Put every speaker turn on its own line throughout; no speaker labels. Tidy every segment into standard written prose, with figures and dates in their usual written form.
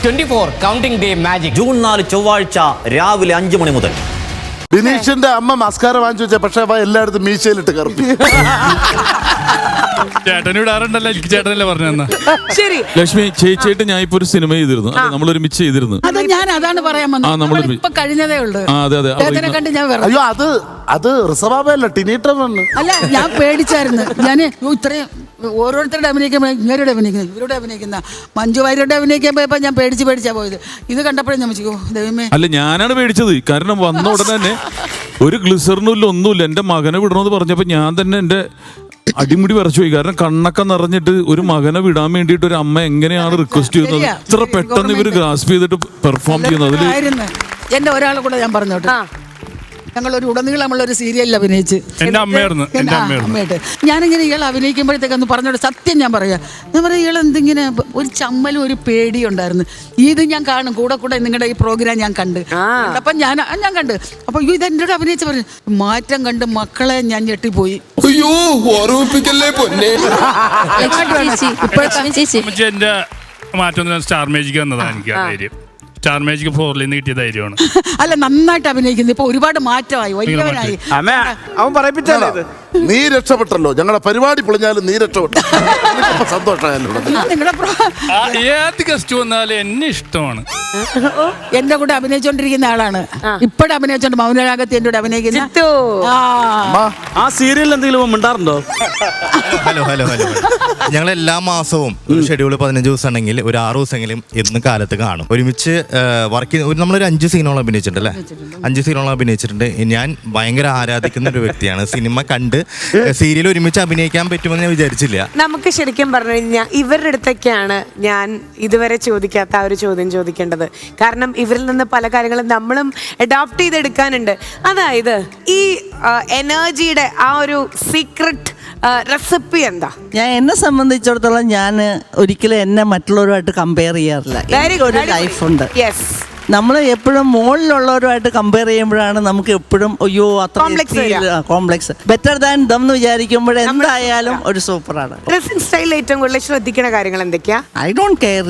24 counting day magic
June 4 ചൊവ്വാഴ്ച രാവിലെ 5 മണി മുതൽ.
ബിനീഷിന്റെ അമ്മ മസ്കാര വാങ്ങിച്ചു വെച്ച, പക്ഷെ അവ എല്ലായിടത്തും മീശയിലിട്ട് കറുപ്പി.
ചേട്ടന് വിടാറുണ്ടല്ലോ, എനിക്ക് ചേട്ടനല്ലേ പറഞ്ഞു.
ശരി
ലക്ഷ്മി ചേച്ചിയായിട്ട് ഞാൻ ഇപ്പൊ ഒരു സിനിമ ചെയ്തിരുന്നു, നമ്മൾ ഒരുമിച്ച് ചെയ്തിരുന്നു.
അതാണ് പറയാൻ വന്നത്. ഇപ്പൊ കഴിഞ്ഞതേ ഉള്ളൂ.
അതെ
കണ്ട് ഞാൻ
അയ്യോ അത് റിസവാബല്ല, ടിനീട്ടറാണ്.
അല്ല, ഞാൻ പേടിച്ചായിരുന്നു. ഞാൻ ഇത്രയും ഓരോരുത്തരുടെ അഭിനയിക്കുമ്പോൾ ഇവരുടെ അഭിനയിക്കുന്നത്, ഇവരുടെ അഭിനയിക്കുന്ന മഞ്ജു വാര്യരുടെ അഭിനയിക്കാൻ പോയപ്പോ ഞാൻ പേടിച്ചാ പോയത്. ഇത് കണ്ടപ്പോഴും ഞാൻ വെച്ചു, ദൈവമേ.
അല്ല, ഞാനാണ് പേടിച്ചത്. കാരണം വന്ന ഉടനെ തന്നെ ഒരു ഗ്ലിസറിനും ഇല്ല, ഒന്നുമില്ല. എന്റെ മകനെ വിടണമെന്ന് പറഞ്ഞപ്പോ ഞാൻ തന്നെ എന്റെ അടിമുടി വരച്ചു പോയി. കാരണം കണ്ണൊക്കെ നിറഞ്ഞിട്ട് ഒരു മകനെ വിടാൻ വേണ്ടിയിട്ട് ഒരു അമ്മ എങ്ങനെയാണ് റിക്വസ്റ്റ് ചെയ്യുന്നത്, ഇത്ര പെട്ടെന്ന് ഇവര് ഗ്രാസ്പ് ചെയ്തിട്ട് പെർഫോം ചെയ്യുന്നത്. അതില്
എന്റെ ഒരാളെ കൂടെ ഞാൻ പറഞ്ഞോട്ടെ, ഞങ്ങളൊരു ഉടനീളമുള്ള ഒരു സീരിയലിൽ അഭിനയിച്ച് അമ്മയായിട്ട് ഞാനിങ്ങനെ ഇയാൾ അഭിനയിക്കുമ്പോഴത്തേക്കൊന്ന് പറഞ്ഞോട്ടെ, സത്യം ഞാൻ പറയാം ഇയാൾ എന്തിങ്ങനെ ഒരു ചമ്മലും ഒരു പേടിയും ഉണ്ടായിരുന്നു. ഇത് ഞാൻ കാണും കൂടെ നിങ്ങളുടെ ഈ പ്രോഗ്രാം ഞാൻ കണ്ട്. അപ്പം ഞാൻ കണ്ട് അപ്പൊ ഇത് എൻ്റെ കൂടെ അഭിനയിച്ച് പറഞ്ഞു മാറ്റം കണ്ട് മക്കളെ ഞാൻ ഞെട്ടിപ്പോയി.
എന്റെ മാറ്റം സ്റ്റാർ മേജിക് വന്നതാണ്. എനിക്ക് ആ ധൈര്യം സ്റ്റാർ മേജിക് 4 നിന്ന് കിട്ടിയ ധൈര്യമാണ്.
അല്ല, നന്നായിട്ട് അഭിനയിക്കുന്നു. ഇപ്പൊ ഒരുപാട് മാറ്റമായി, വലിയവനായി.
അവൻ പറയിപ്പിച്ചല്ലോ, നീ രക്ഷപ്പെട്ടല്ലോ. ഞങ്ങളുടെ പരിപാടി പൊളിഞ്ഞാലും നീ രക്ഷപ്പെട്ടു. സന്തോഷമായല്ലോ.
ഏത് ഗസ്റ്റ് വന്നാലും എന്നെ ഇഷ്ടമാണ്.
എന്റെ കൂടെ അഭിനയിച്ചോണ്ടിരിക്കുന്ന ആളാണ്. ഇപ്പോഴും അഭിനയിച്ചോണ്ട് മൗനരാഗത്തിൽ എന്റെ കൂടെ അഭിനയിക്കുന്ന
ആ സീരിയലിൽ എന്തെങ്കിലും മിണ്ടാറുണ്ടോ?
ഹലോ ഞങ്ങൾ എല്ലാ മാസവും ഷെഡ്യൂൾ 15 ദിവസം ഉണ്ടെങ്കിൽ ഒരു 6 ദിവസമെങ്കിലും എന്നും കാലത്ത് കാണും. ഒരുമിച്ച് വർക്ക് നമ്മളൊരു 5 സീനോളം അഭിനയിച്ചിട്ടുണ്ട് അല്ലേ? 5 സീനോളം അഭിനയിച്ചിട്ടുണ്ട്. ഞാൻ ഭയങ്കര ആരാധിക്കുന്ന ഒരു വ്യക്തിയാണ്. സിനിമ കണ്ട് സീരിയൽ ഒരുമിച്ച് അഭിനയിക്കാൻ പറ്റുമെന്ന് ഞാൻ വിചാരിച്ചില്ല.
നമുക്ക് ശരിക്കും പറഞ്ഞു കഴിഞ്ഞാൽ ഇവരുടെ അടുത്തൊക്കെയാണ് ഞാൻ ഇതുവരെ ചോദിക്കാത്ത ആ ഒരു ചോദ്യം ചോദിക്കേണ്ടത്. കാരണം ഇവരിൽ നിന്ന് പല കാര്യങ്ങളും നമ്മളും അഡോപ്റ്റ് ചെയ്തെടുക്കാനുണ്ട്. അതായത് ഈ എനർജിയുടെ ആ ഒരു സീക്രട്ട് റെസിപ്പി എന്താ?
എന്നെ സംബന്ധിച്ചിടത്തോളം ഞാൻ ഒരിക്കലും എന്നെ മറ്റുള്ളവരുമായിട്ട് കമ്പയർ ചെയ്യാറില്ല. എനിക്കൊരു ലൈഫുണ്ട്. നമ്മൾ എപ്പോഴും മുകളിലുള്ളവരുമായിട്ട് കമ്പയർ ചെയ്യുമ്പോഴാണ് നമുക്ക് എപ്പോഴും അയ്യോ അത്ര കോംപ്ലക്സ്. ബെറ്റർ ദാൻ ദം എന്ന് വിചാരിക്കുമ്പോൾ എന്തായാലും ഒരു സൂപ്പറാണ്.
ഡ്രസ്സിംഗ് സ്റ്റൈൽ ഏറ്റവും കൂടുതൽ ശ്രദ്ധിക്കുന്ന കാര്യങ്ങൾ എന്തൊക്കെയാ?
I don't care.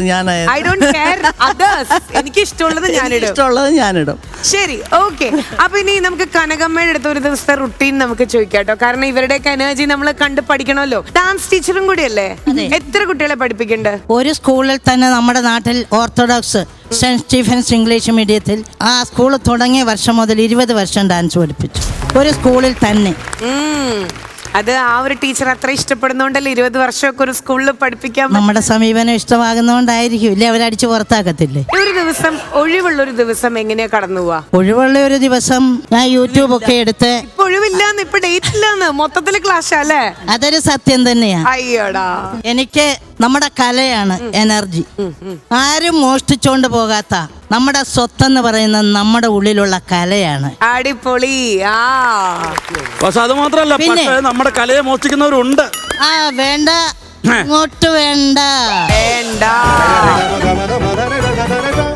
എനിക്ക് ഇഷ്ടമുള്ളത്
ഞാനിടും.
ശരി, ഓക്കെ. അപ്പൊ ഇനി നമുക്ക് കനകമ്മയുടെ അടുത്ത് ഒരു ദിവസത്തെ റുട്ടീൻ നമുക്ക് ചോദിക്കാട്ടോ. കാരണം ഇവരുടെയൊക്കെ എനർജി നമ്മൾ കണ്ട് പഠിക്കണമല്ലോ. ഡാൻസ് ടീച്ചറും കൂടിയല്ലേ? എത്ര കുട്ടികളെ പഠിപ്പിക്കുന്നുണ്ട്?
ഒരു സ്കൂളിൽ തന്നെ നമ്മുടെ നാട്ടിൽ ഓർത്തഡോക്സ് സെന്റ് സ്റ്റീഫൻസ് ഇംഗ്ലീഷ് മീഡിയത്തിൽ ആ സ്കൂൾ തുടങ്ങിയ വർഷം മുതൽ 20 വർഷം ഡാൻസ് പഠിപ്പിച്ചു ഒരു സ്കൂളിൽ തന്നെ.
അത് ആ ഒരു ടീച്ചർ അത്ര ഇഷ്ടപ്പെടുന്നോണ്ടല്ലേ 20 വർഷമൊക്കെ ഒരു സ്കൂളിൽ പഠിപ്പിക്കാൻ.
നമ്മുടെ സമീപനം ഇഷ്ടമാകുന്നോണ്ടായിരിക്കും, ഇല്ലേ അവരടിച്ച് പുറത്താക്കത്തില്ലേ?
ഒരു ദിവസം ഒഴിവുള്ള ഒരു ദിവസം എങ്ങനെയാ കടന്നു പോവാ?
ഒഴിവുള്ള ഒരു ദിവസം ഞാൻ യൂട്യൂബ് ഒക്കെ എടുത്ത്.
ഇപ്പൊ ഒഴിവില്ലാന്ന്, ഇപ്പൊ ഡേറ്റ് ഇല്ലാന്ന്, മൊത്തത്തില് ക്ലാസ് അല്ലേ?
അതൊരു സത്യം തന്നെയാ.
അയ്യോടാ,
എനിക്ക് നമ്മുടെ കലയാണ് എനർജി. ആരും മോഷ്ടിച്ചോണ്ട് പോകാത്ത നമ്മുടെ സ്വത്തെന്ന് പറയുന്നത് നമ്മുടെ ഉള്ളിലുള്ള കലയാണ്.
അടിപൊളി.
പക്ഷെ അത് മാത്രല്ല, നമ്മുടെ കലയെ മോഷ്ടിക്കുന്നവരുണ്ട്.
വേണ്ട, ഇങ്ങോട്ട് വേണ്ട.